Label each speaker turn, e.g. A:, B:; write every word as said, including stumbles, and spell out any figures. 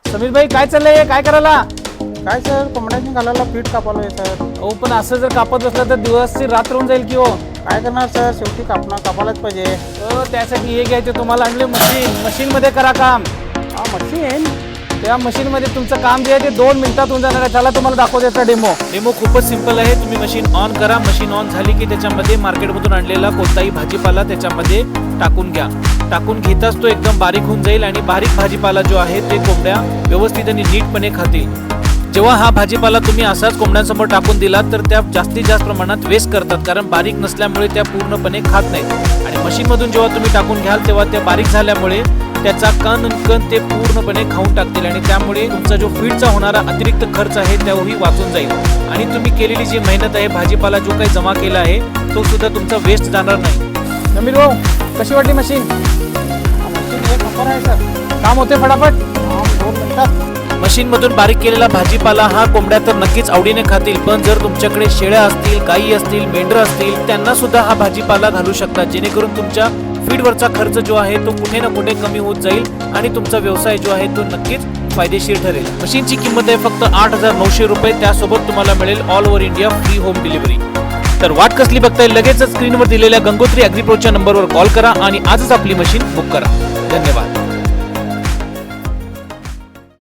A: समीर भाई काय चाललंय, काय करायला?
B: काय सर, कोंबड्याची घालायला पीठ कापालोय सर.
A: हो पण असं जर कापत बसलं तर दिवसची रात्र होऊन जाईल की हो.
B: काय करणार सर, शेवटी कापणं कापायलाच पाहिजे.
A: हो त्यासाठी हे घ्यायचे तुम्हाला आणले मशीन. मशीन मध्ये करा काम.
B: हा मशीन.
A: त्या मशीन मध्ये तुमचं काम जे आहे ते दोन मिनिटात होऊन जाणार आहे. त्याला तुम्हाला दाखवतो त्याचा डेमो.
C: डेमो खूपच सिंपल आहे. तुम्ही मशीन ऑन करा. मशीन ऑन झाली की त्याच्यामध्ये मार्केटमधून आणलेला कोणताही भाजीपाला त्याच्यामध्ये टाकून घ्या. टाकून घेताच तो एकदम बारीक होऊन जाईल आणि बारीक भाजीपाला जो आहे ते कोंबड्या व्यवस्थित आणि नीटपणे खातील. जेव्हा हा भाजीपाला तुम्ही असाच कोंबड्यांसमोर टाकून दिला तर त्या जास्तीत जास्त प्रमाणात वेस्ट करतात, कारण बारीक नसल्यामुळे त्या पूर्णपणे खात नाहीत. आणि मशीनमधून जेव्हा तुम्ही टाकून घ्याल तेव्हा त्या बारीक झाल्यामुळे त्याचा कण कण ते पूर्णपणे खाऊन टाकतील आणि त्यामुळे तुमचा जो फीडचा होणारा अतिरिक्त खर्च आहे तोही वाचून जाईल. आणि तुम्ही केलेली जी मेहनत आहे, भाजीपाला जो काही जमा केला आहे तो सुद्धा तुमचा वेस्ट जाणार नाही.
A: समीर भाऊ कशी वाटली मशीन?
B: मशीन एक नंबर आहे सर.
A: काम होते फटाफट.
B: हा, दोन मिनिटात.
C: मशीन मधून बारीक केलेला भाजीपाला हा कोंबड्या तर नक्कीच आवडीने खातील, पण जर तुमच्याकडे शेळ्या असतील, गायी असतील, मेंढर असतील, त्यांना सुद्धा हा भाजीपाला घालू शकता, जेणेकरून तुमच्या फीडवरचा खर्च जो आहे तो कुठे ना कुठे कमी होत जाईल आणि तुमचा व्यवसाय जो आहे तो नक्कीच फायदेशीर ठरेल. मशीनची किंमत आहे फक्त आठ हजार नऊशे रुपये. त्यासोबत तुम्हाला मिळेल all over India free home delivery. तर वाट कसली बघताय, लगेचच स्क्रीनवर दिलेल्या गंगोत्री अॅग्रीप्रोच्या नंबरवर कॉल करा आणि आजच आपली मशीन बुक करा. धन्यवाद.